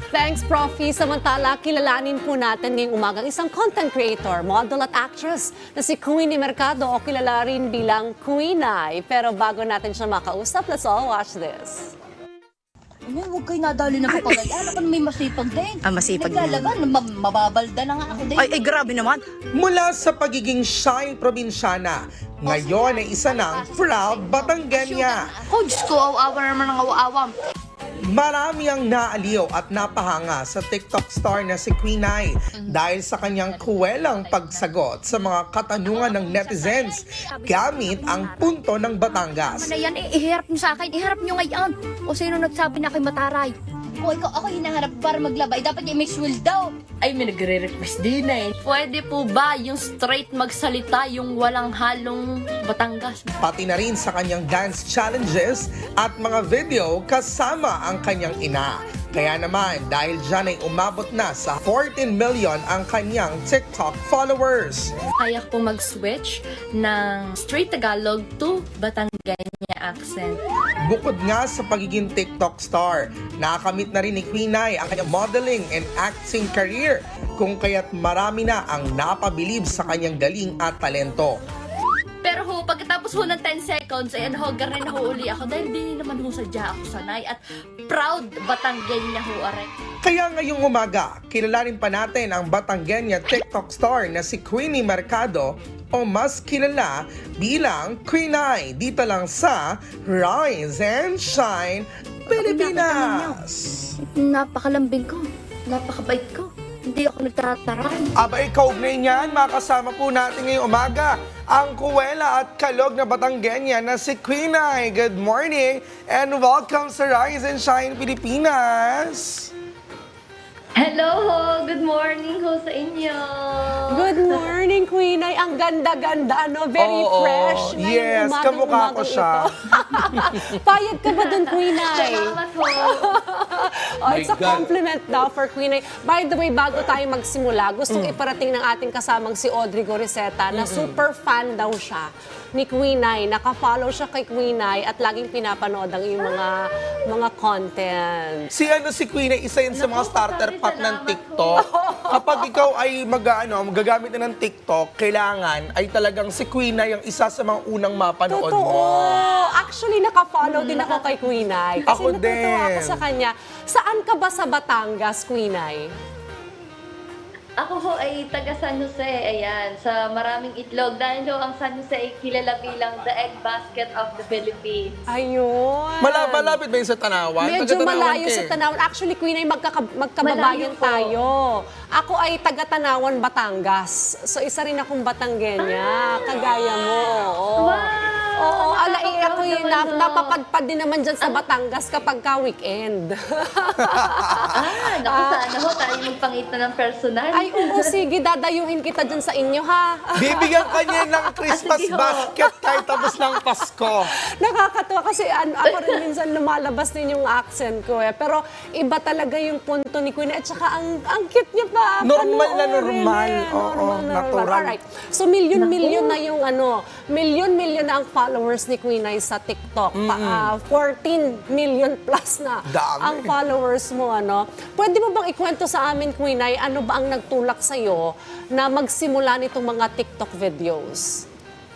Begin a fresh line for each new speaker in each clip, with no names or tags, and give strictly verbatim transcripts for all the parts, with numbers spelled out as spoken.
Thanks, Profi. Samantala, kilalanin po natin ngayong umagang isang content creator, model at actress na si Queenie Mercado o kilala rin bilang Queenay. Pero bago natin siya makausap, let's all watch this.
Ano, huwag kayo nadali ng papagay. Ano ka may masipag din?
Ah, masipag din.
Naglalaban, ma- mababalda na nga ako din.
Ay, ay, grabe naman.
Mula sa pagiging shy probinsyana, ngayon ay isa ng proud Batanggenya.
Ako, Diyos ko, awa naman ng awa-awam.
Marami ang naaliw at napahanga sa TikTok star na si Queenay dahil sa kanyang kuwelang pagsagot sa mga katanungan ng netizens gamit ang punto ng Batangas.
Ano yan, eh, iharap niyo sa akin, iharap niyo ngayon. O sino nagsabi na kay Mataray? O ikaw, ako hinaharap para maglabay, dapat yung Miss Will daw.
Ay, may nagre-request din eh. Pwede po ba yung straight magsalita, yung walang halong Batangas?
Pati na rin sa kanyang dance challenges at mga video kasama ang kanyang ina. Kaya naman, dahil dyan ay umabot na sa fourteen million ang kanyang TikTok followers.
Kaya po mag-switch ng straight Tagalog to Batanggenya accent.
Bukod nga sa pagiging TikTok star, nakakamit na rin ni Queenay ang kanyang modeling and acting career, kung kaya't marami na ang napabilib sa kanyang galing at talento.
Pero ho, pagkatapos ho ng ten seconds, ay ano ho, garin na ho uli ako dahil di naman ho sadya ako sanay at proud Batanggenya ho, aray.
Kaya ngayong umaga, kilalanin pa natin ang Batanggenya TikTok star na si Queenie Mercado o mas kilala bilang Queenay dito lang sa Rise and Shine Pilipinas.
Napakalambing ko, napakabait ko. Hindi ako nagtataran.
Aba ikaw na yan, makasama po natin ngayong umaga ang kuwela at kalog na Batanggenya na si Queenay. Good morning and welcome sa Rise and Shine Pilipinas.
Hello ho! Good morning ho sa inyo!
Good morning, Queenay. Ang ganda-ganda, no? Very
Oo,
fresh. Ngayong
yes,
umagang-
kamukha ko
umagang
siya.
ito. Payag ka ba dun, Queenay?
Salamat ho!
Oh, it's a
My God.
compliment daw for Queenay. By the way, bago tayo magsimula, gustong
Mm.
iparating ng ating kasamang si Audrey Goriseta na super fan daw siya ni Queenay. Naka-follow siya kay Queenay at laging pinapanood ang iyong mga mga content.
Si ano si Queenay, isa yun sa mga starter pack ng TikTok. Kapag ikaw ay mag, ano, magagamit na ng TikTok, kailangan ay talagang si Queenay ang isa sa mga unang mapanood
Totoo.
mo.
Actually, naka-follow din ako kay Queenay. Kasi
Ako
natutuwa
din.
ako sa kanya. Saan ka ba sa Batangas, Queenay?
Ako ho ay taga San Jose, ayan, sa Maraming Itlog. Dahil ho ang San Jose ay kilala bilang the egg basket of the Philippines.
Ayun.
Mala- malapit ba yun sa Tanawan?
Medyo
Taga-Tanawan
malayo
ka eh.
sa Tanawan. Actually, Queen ay magkaka- magkababayan
Malayo po.
tayo. Ako ay taga Tanawan, Batangas. So, isa rin akong Batanggenya. Kagaya mo. Oo.
Wow!
Oo, alay
Nakaka-proud
ako yung
naman
nap-
ho.
napapadpad din naman dyan sa Batangas kapag ka weekend.
Ah, naku, sana ho tayo magpangita ng personal.
Ay, oo, sige, dadayuhin kita dyan sa inyo, ha?
Bibigyan ka niya ng Christmas
Sige ho.
basket kahit tapos ng Pasko.
Nakakatuwa kasi an- ako rin minsan lumalabas din yung accent ko eh. Pero iba talaga yung punto ni Queen. At saka ang, ang cute niya pa.
Normal na
panoorin
normal.
eh.
Oo,
Normal na
natural.
Alright. So milyon-milyon na yung ano, milyon-milyon na ang followers ni Queen ay sa TikTok. Pa, ah, fourteen million plus na
Dami.
ang followers mo. Ano. Pwede mo bang ikwento sa amin, Queen, ay ano ba ang nagtulak sa'yo na magsimula nitong mga TikTok videos?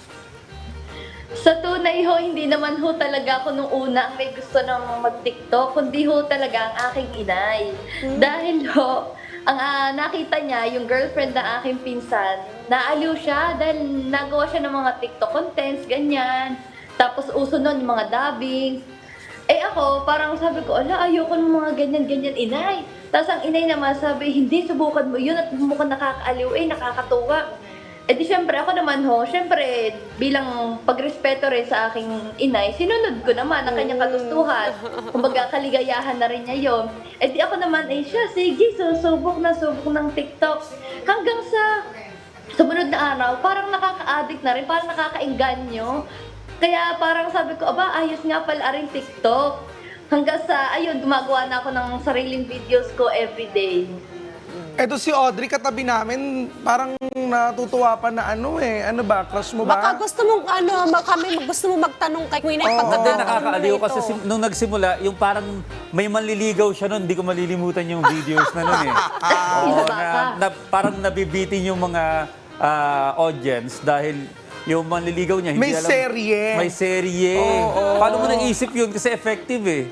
Sa tunay ho, hindi naman ho talaga ako nung una ang may gusto ng mag-TikTok, kundi ho talaga ang aking inay. Dahil ho, ang ah, nakita niya, yung girlfriend ng aking pinsan, naaliw siya dahil nagawa siya ng mga TikTok contents, ganyan. Tapos uso nun yung mga dubbing. Eh ako, parang sabi ko, ala, ayoko ng mga ganyan-ganyan inay. Tapos ang inay naman sabi, hindi, subukan mo yun at mukhang nakakaaliw, eh, nakakatuwa. Eh di syempre ako naman ho, syempre bilang pagrespeto rin sa aking inay, sinunod ko naman ang kanyang kagustuhan. Kumbaga kaligayahan na rin niya yun. Eh di ako naman, eh siya, sige, susubok na subok ng TikTok. Hanggang sa sumunod na araw, parang nakaka-addict na rin, parang nakakainganyo. Kaya parang sabi ko, aba, ayos nga pala rin TikTok. Hanggang sa, ayun, gumagawa na ako ng sariling videos ko everyday.
Eto si Audrey, katabi namin, parang natutuwa pa na ano eh. Ano ba, crush mo ba?
Baka gusto mong ano, ma- kami gusto mong magtanong kay Queen ay
Oo.
Hindi,
pagkakataon
nakakaaliw
mo
kasi
ito.
sim- nung nagsimula, yung parang may manliligaw siya nun, hindi ko malilimutan yung videos na nun eh. Oo,
Isa
na,
pa.
na, parang nabibitin yung mga ah, audience dahil yung manliligaw niya, hindi
May
alam.
serye.
May serye.
Oo.
Paano mo naisip yun? Kasi effective eh.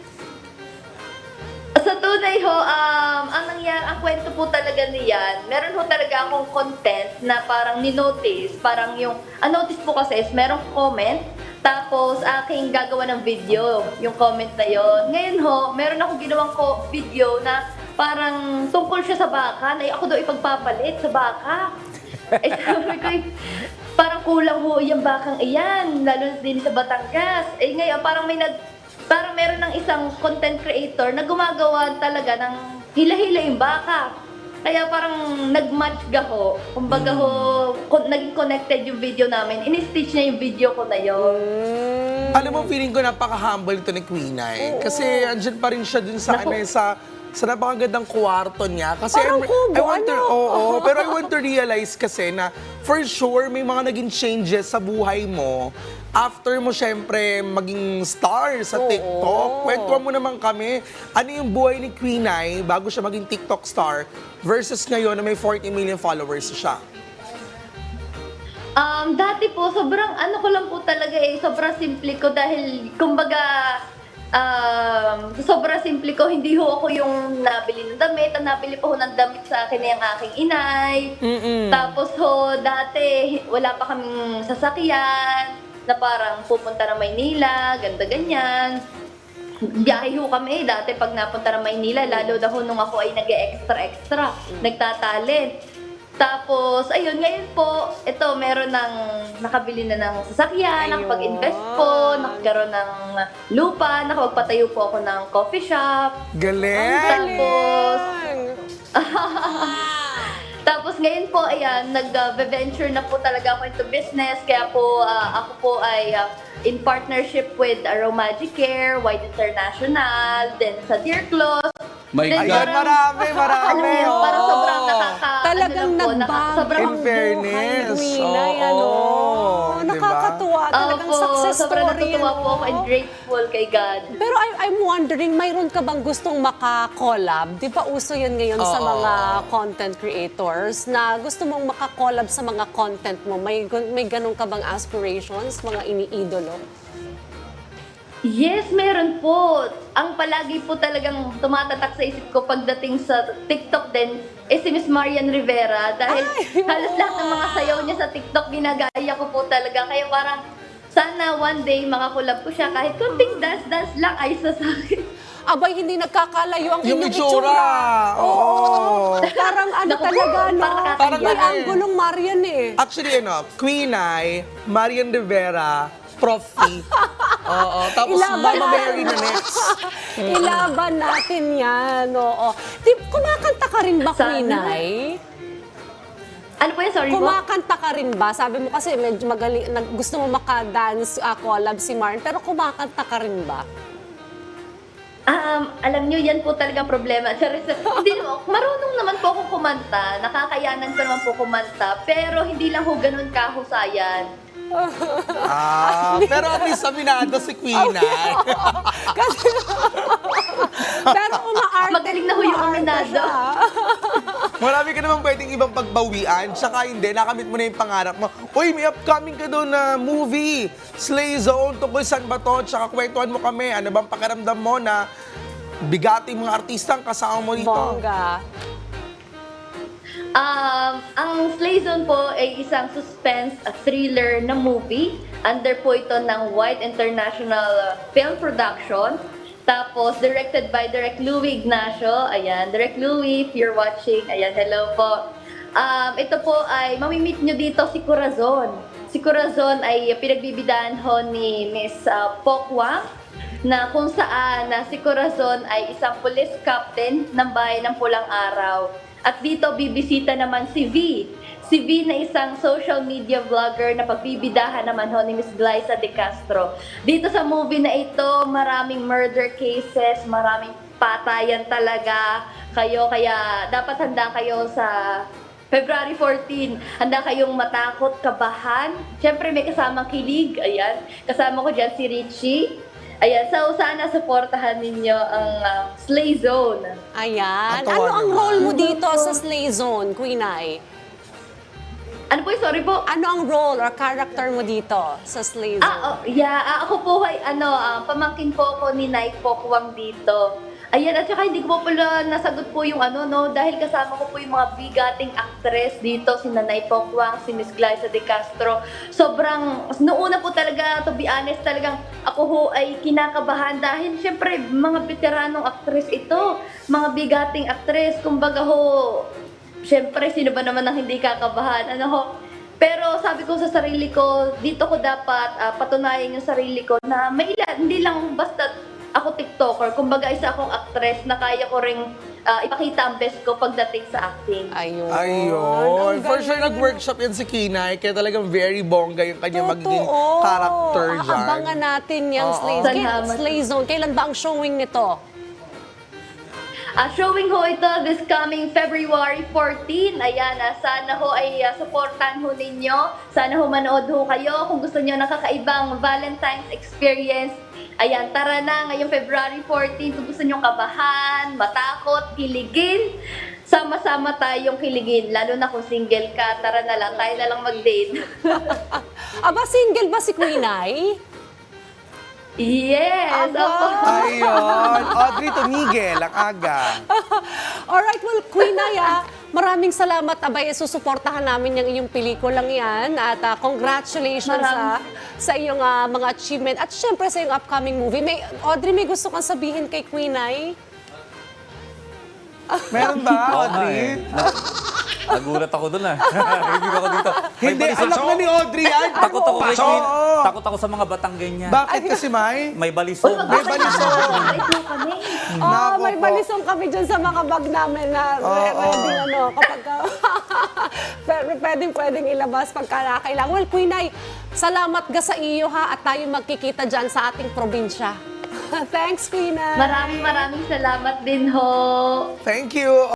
Sa tunay ho, um, ang nangyari, ang kwento po talaga niyan, meron ho talaga akong content na parang ni-notice, parang yung, ang notice po kasi is merong comment, tapos aking gagawa ng video, yung comment na yon. Ngayon ho, meron akong ginawang ko video na parang tungkol siya sa baka, na ako daw ipagpapalit sa baka. Eh sabi ko, eh, parang kulang ho yung bakang iyan, lalo na din sa Batangas. Eh ngayon, parang may nag, parang meron ng isang content creator na gumagawa talaga ng hila-hila yung baka. Kaya parang nag-match ga ho. Kumbaga ho, kon- naging connected yung video namin. In-stitch niya yung video ko na yun.
Alam mo, feeling ko napaka-humble ito ni Queen Ay. Kasi andyan pa rin siya dun sa,
Naku.
ano, eh, sa, sa napakagandang kwarto niya. Kasi
Parang
I-
kubo,
I want to,
ano?
oo, pero I want to realize kasi na for sure may mga naging changes sa buhay mo after mo syempre maging star sa
Oo.
TikTok. Kwentuhan mo naman kami, ano yung buhay ni Queen Ay bago siya maging TikTok star versus ngayon na may forty million followers siya.
Um, dati po, sobrang ano ko lang po talaga eh, sobrang simple ko dahil, kumbaga, um, sobrang simple ko, hindi ho ako yung nabili ng damit, ang nabili po ho ng damit sa akin ay ang aking inay. Tapos ho, dati, wala pa kaming sasakyan, na parang pupunta ng Maynila, ganda ganyan. Biyahe ho kami dati pag napunta ng Maynila, lalo na ho nung ako ay nag-extra-extra, nagtatalent. Tapos, ayun, ngayon po, ito, meron ng, nakabili na ng sasakyan,
Ayun.
nakapag-invest po, nakakaroon ng lupa, nakapagpatayo po ako ng coffee shop.
Galing!
Tapos, tapos ngayon po, ayan, nag-venture na po talaga ako into business. Kaya po, ah, ako po ay ah, in partnership with Aromagic Care, White International, then sa Dear Clothes.
My
Then
God.
Ayan, marami, marami.
Alam mo yun,
oo.
parang sobrang nakaka...
Talagang
ano lang po, naka-
nagbago
sobrang
ang
In fairness,
buhay, Queen Ay,
oo,
ano?
diba?
Nakakatuwa. Talagang
Opo,
success
sobrang
story.
natutuwa
ano?
po ako and grateful kay God.
Pero I, I'm wondering, mayroon ka bang gustong maka-collab? Di ba uso yun ngayon sa
Oo.
mga content creators na gusto mong maka-collab sa mga content mo? May, gun- may ganun ka bang aspirations, mga iniidolo?
Yes, meron po. Ang palagi po talagang tumatatak sa isip ko pagdating sa TikTok din is si Miss Marian Rivera dahil
Ay,
halos lahat ng mga sayaw niya sa TikTok ginagaya ko po talaga. Kaya parang sana one day makakulab ko siya kahit kunting dance-dance lang ay sa akin.
Abay, hindi nagkakalayo ang
Yung
inyong
itsura. Oo.
Parang ano
Naku po,
talaga, no?
parang
Parang
May
ano eh.
anggulong Marian eh.
Actually, ano, Queen Ay, Marian Rivera, Prof P. Oo, tapos
Ilaban
Mama
natin.
Mary na next.
Ilaban natin yan, oo. Di, kumakanta ka rin ba,
Sana.
Queen Ay?
Ano po yan? Sorry po.
Kumakanta ka rin ba? Sabi mo kasi medyo magaling, nag, gusto mo maka-dance uh, collab si Marn, pero kumakanta ka rin ba?
Um, alam nyo, yan po talaga ang problema. Charis, hindi naman, marunong naman po akong kumanta, nakakayanan ko naman po kumanta, pero hindi lang ho ganun kahusayan.
Ah, pero at least aminado si Queen Ay.
Kasi, pero umaarte.
Magaling na ho yung
umaarte
aminado.
siya.
Marami ka naman pwedeng ibang pagbawian, tsaka hindi, nakamit mo na yung pangarap mo. Uy, may upcoming ka doon na movie, Slay Zone, tungkol saan ba to? Tsaka kwentuhan mo kami, ano bang pakiramdam mo na bigati mga artistang kasama mo dito?
Bongga.
Um, ang Slay Zone po ay isang suspense uh, thriller na movie. Under po ito ng White International uh, Film Production. Tapos, directed by Direk Louie Ignacio. Ayan, Direk Louie, if you're watching, ayan, hello po. Um, ito po ay, mamimit nyo dito si Corazon. Si Corazon ay pinagbibidahan ho ni Miss uh, Pokwang, na kung saan na si Corazon ay isang police captain ng bayan ng Pulang Araw. At dito bibisita naman si V. Si V na isang social media vlogger na pagbibidahan naman ho ni Miss Glyza De Castro. Dito sa movie na ito, maraming murder cases, maraming patayan talaga kayo. Kaya dapat handa kayo sa February fourteen. Handa kayong matakot, kabahan. Siyempre may kasamang kilig. Ayan. Kasama ko dyan si Richie. Ayan. So sana supportahan ninyo ang uh, Slay Zone.
Ayan.
Ang
Ano
tawa
ang
naman.
role mo dito sa Slay Zone, Queen Ai?
Ano po, sorry po.
Ano ang role or character mo dito sa Slay Zone?
Ah, oh, yeah. Ah, ako po ay, ano, ah, pamangkin po ako ni Nay Pokwang dito. Ayan, at saka hindi ko po pala nasagot po yung ano, no, dahil kasama ko po yung mga bigating actress dito, si Nanay Pokwang, si Miss Glyza De Castro. Sobrang, noong una po talaga, to be honest, talagang ako ho ay kinakabahan dahil syempre, mga veteranong actress ito, mga bigating actress, kumbaga ho, syempre, sino ba naman ang hindi kakabahan? Ano ho? Pero sabi ko sa sarili ko, dito ko dapat ah, patunayan yung sarili ko na may ilan, hindi lang basta ako TikToker. Kumbaga, isa akong actress na kaya ko ring ah, ipakita ang best ko pagdating sa acting.
Ayun.
Ayun.
Ang
For sure,
galing.
nag-workshop yan si Kinay, kaya talagang very bongga yung kanya magiging
Totoo.
character dyan.
Aabangan natin yung
Oo.
Slay, Kay-
Salamat.
Slay Zone. Kailan ba ang showing nito?
Ah, showing ho ito this coming February fourteen. Ayan, ah, sana ho ay ah, supportan ho ninyo. Sana ho manood ho kayo. Kung gusto nyo nakakaibang Valentine's experience, ayan, tara na ngayong February fourteen. Kung gusto nyo kabahan, matakot, kiligin, sama-sama tayong kiligin. Lalo na kung single ka, tara na lang, tayo na lang mag-date.
Aba, single ba si Queen Ai?
Yes!
Aba.
Ako.
Ayun. Audrey Tumigel, ang aga.
Alright, well, Queen Ai, ah, maraming salamat. Abay, susuportahan namin yung iyong pelikulang yan. At ah, congratulations sa,
Maraming-
sa iyong ah, mga achievement. At syempre sa iyong upcoming movie. May, Audrey, may gusto kang sabihin kay Queen Ai?
Meron ba,
Oo nga
Audrey?
eh. Na- Nagulat ako dun ah. Hindi ako dito. May
Hindi,
balisong-
anak na ni Audrey yan.
Takot ako kay
Pasok.
Queen. Takot ako sa mga Batanggen niya.
Bakit kasi, May?
May
Uy,
balisong.
May balisong.
Ito kami.
Oh,
Nako
may
po.
balisong kami dyan sa mga bag namin na
Oo.
ready, ano, kapag ka, pero pwedeng, pwedeng ilabas pagka kailangan. Well, Queen Ai, salamat ga sa iyo ha at tayo magkikita dyan sa ating probinsya. Thanks, Queen Ai.
Maraming maraming salamat din ho.
Thank you.